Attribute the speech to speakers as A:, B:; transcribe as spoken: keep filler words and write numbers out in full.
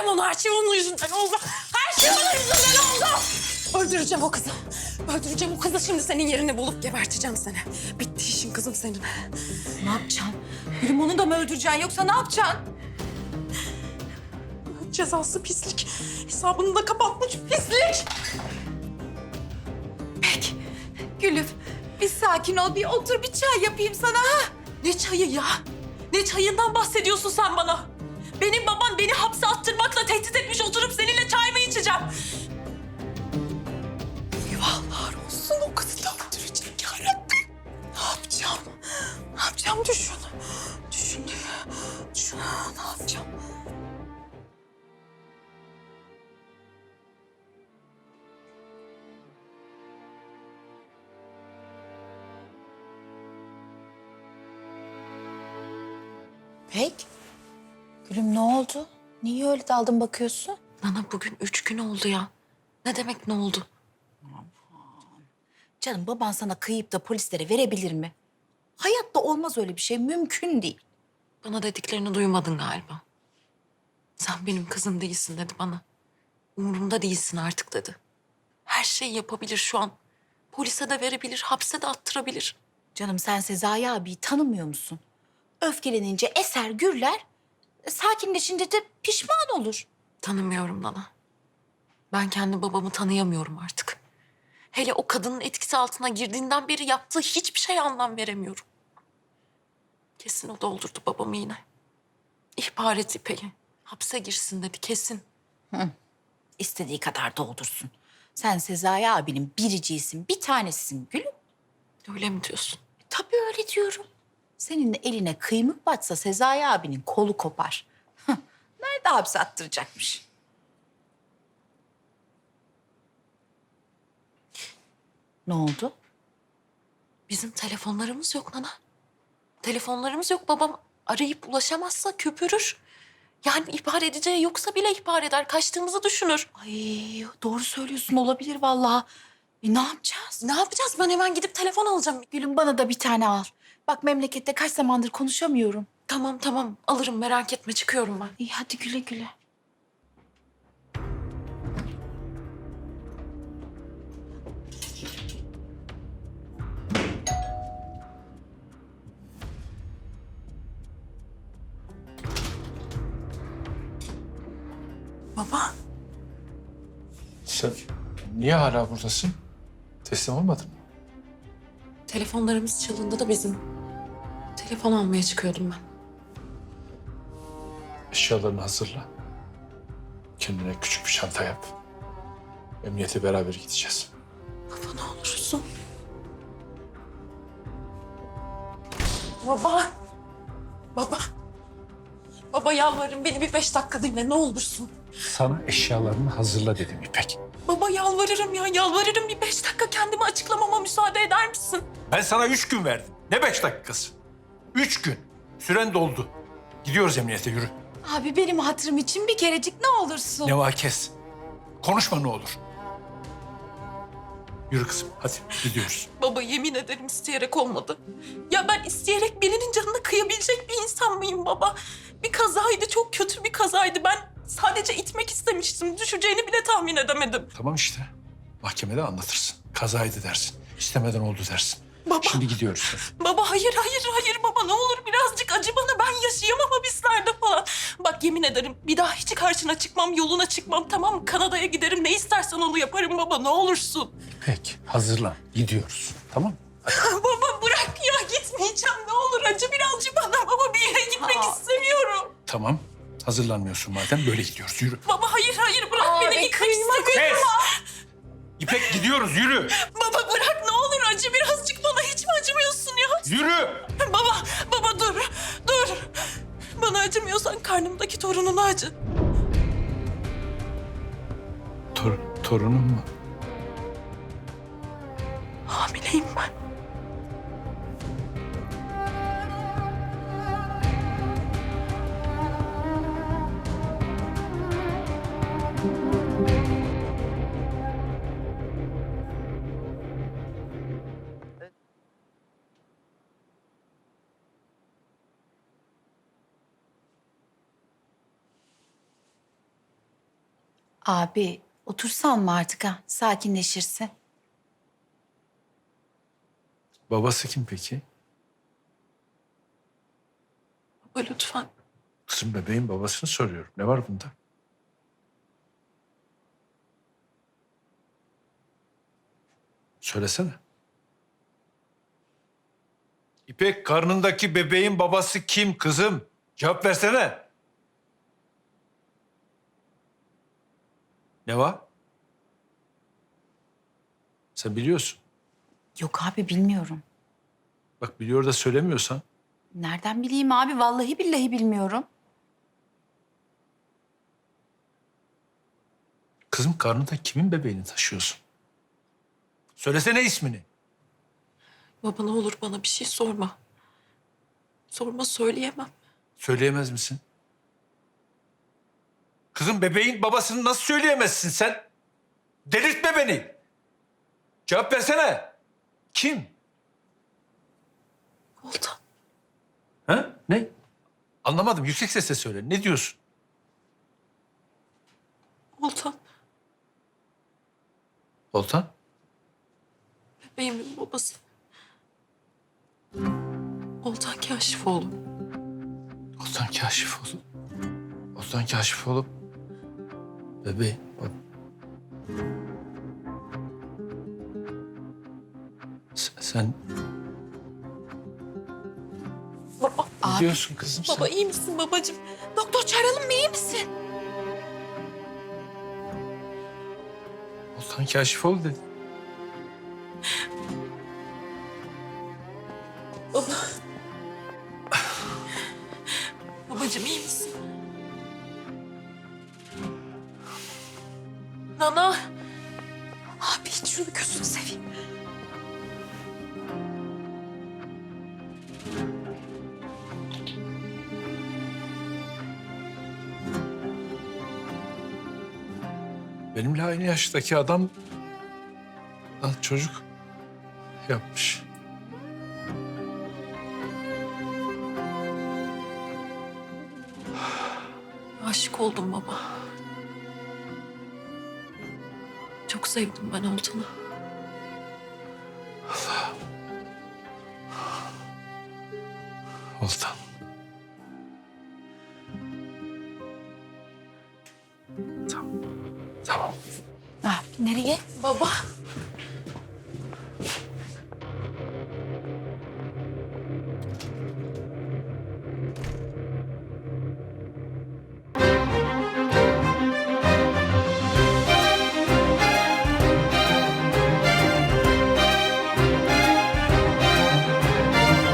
A: Öldüreceğim onu. Her şey onun yüzünden oldu. Her şey onun yüzünden oldu. Öldüreceğim o kızı. Öldüreceğim o kızı. Şimdi senin yerini bulup geberteceğim seni. Bitti işin kızım senin.
B: Ne yapacaksın? Gülüm onu da mı öldüreceksin yoksa ne yapacaksın?
A: Cezası pislik. Hesabını da kapatmış pislik.
B: Peki. Gülüm bir sakin ol, bir otur, bir çay yapayım sana ha.
A: Ne çayı ya? Ne çayından bahsediyorsun sen bana? Benim babam beni hapse attırmakla tehdit etmiş, oturup seninle çay mı içeceğim? Eyvahlar olsun, o kızı da öldürecek yarabbim. Ne yapacağım? Ne yapacağım düşün. Düşün. Düşün. Ne yapacağım?
B: Pek. Gülüm ne oldu? Niye öyle daldın bakıyorsun?
A: Nana bugün üç gün oldu ya. Ne demek ne oldu?
B: Canım baban sana kıyıp da polislere verebilir mi? Hayatta olmaz öyle bir şey, mümkün değil.
A: Bana dediklerini duymadın galiba. Sen benim kızım değilsin dedi bana. Umurumda değilsin artık dedi. Her şeyi yapabilir şu an. Polise de verebilir, hapse de attırabilir.
B: Canım sen Sezai abiyi tanımıyor musun? Öfkelenince eser gürler, sakinleşince de pişman olur.
A: Tanımıyorum Nana. Ben kendi babamı tanıyamıyorum artık. Hele o kadının etkisi altına girdiğinden beri yaptığı hiçbir şeye anlam veremiyorum. Kesin o doldurdu babamı yine. İhbar et İpek'i. Hapse girsin dedi kesin.
B: İstediği kadar doldursun. Sen Sezai abinin biriciğisin, bir tanesisin gülüm.
A: Öyle mi diyorsun?
B: Tabii öyle diyorum. Senin eline kıymık batsa Sezai abinin kolu kopar. Hıh, nerede hapse attıracakmış? Ne oldu?
A: Bizim telefonlarımız yok Nana. Telefonlarımız yok. Babam arayıp ulaşamazsa köpürür. Yani ihbar edeceği yoksa bile ihbar eder. Kaçtığımızı düşünür.
B: Ay doğru söylüyorsun, olabilir vallahi. E, ne yapacağız?
A: Ne yapacağız? Ben hemen gidip telefon alacağım.
B: Gülüm bana da bir tane al. Bak memlekette kaç zamandır konuşamıyorum.
A: Tamam tamam alırım merak etme çıkıyorum ben.
B: İyi hadi güle güle.
A: Baba.
C: Sen niye hala buradasın? Teslim olmadın mı?
A: Telefonlarımız çalındı da bizim. Telefon almaya çıkıyordum ben.
C: Eşyalarını hazırla. Kendine küçük bir çanta yap. Emniyete beraber gideceğiz.
A: Baba ne olursun. Baba. Baba. Baba yalvarırım beni bir beş dakika dinle ne olursun.
C: Sana eşyalarını hazırla dedim İpek.
A: Baba yalvarırım ya yalvarırım bir beş dakika kendimi açıklamama müsaade eder misin?
C: Ben sana üç gün verdim. Ne beş dakikası? Üç gün. Süren doldu. Gidiyoruz emniyete, yürü.
B: Abi benim hatırım için bir kerecik ne olursun.
C: Neva kes. Konuşma ne olur. Yürü kızım, hadi gidiyoruz.
A: Baba yemin ederim isteyerek olmadı. Ya ben isteyerek birinin canına kıyabilecek bir insan mıyım baba? Bir kazaydı, çok kötü bir kazaydı. Ben sadece itmek istemiştim. Düşeceğini bile tahmin edemedim.
C: Tamam işte. Mahkemede anlatırsın. Kazaydı dersin. İstemeden oldu dersin.
A: Baba.
C: Şimdi gidiyoruz.
A: Baba hayır hayır hayır baba ne olur birazcık acı bana. Ben yaşayamam hapislerde falan. Bak yemin ederim bir daha hiç karşına çıkmam, yoluna çıkmam tamam mı? Kanada'ya giderim ne istersen onu yaparım baba ne olursun.
C: Peki, hazırlan. Gidiyoruz. Tamam mı?
A: Baba bırak ya gitmeyeceğim ne olur acı birazcık bana baba bir yere gitmek
B: Aa.
A: istemiyorum.
C: Tamam. Hazırlanmıyorsun madem, böyle gidiyoruz. Yürü.
A: Baba hayır hayır bırak
B: Aa,
A: beni
B: be,
A: gitmek
B: kıyma
A: istemiyorum.
C: İpek gidiyoruz, yürü.
A: Baba bırak ne olur acı birazcık bana hiç mi acımıyorsun ya?
C: Yürü.
A: Baba baba dur dur. Bana acımıyorsan karnımdaki torununa acı.
C: Tor torunum mu?
A: Hamileyim ben.
B: Abi otursan mı artık ha? Sakinleşirsin.
C: Babası kim peki?
A: Baba lütfen.
C: Kızım bebeğin babasını soruyorum. Ne var bunda? Söylesene. İpek, karnındaki bebeğin babası kim kızım? Cevap versene. Ne var? Sen biliyorsun.
B: Yok abi bilmiyorum.
C: Bak biliyor da söylemiyorsan.
B: Nereden bileyim abi? Vallahi billahi bilmiyorum.
C: Kızım karnında kimin bebeğini taşıyorsun? Söylesene ismini.
A: Baba ne olur bana bir şey sorma. Sorma söyleyemem.
C: Söyleyemez misin? Kızım bebeğin babasını nasıl söyleyemezsin sen? Delirtme beni. Cevap versene. Kim?
A: Oltan.
C: Ha? Ne? Anlamadım. Yüksek sesle söyle. Ne diyorsun?
A: Oltan.
C: Oltan?
A: Bebeğimin babası. Oltan Kaşifoğlu.
C: Oltan Kaşifoğlu. Oltan Kaşifoğlu. Bebeğim. bab- Sen, sen
A: Baba.
C: ne diyorsun kızım sen?
A: Baba iyi misin babacığım?
B: Doktor çağıralım mı? İyi misin?
C: Oltan Kaşifoğlu dedi.
A: Baba. Babacığım iyi misin? Nana. Abi hiç şunu gözünü seveyim.
C: Benimle aynı yaştaki adam lan çocuk yapmış.
A: Aşık oldum baba. Çok sevdim ben Oltan'ı.
C: Oltan. Tamam. Tamam.
B: Ah, nereye?
A: Baba.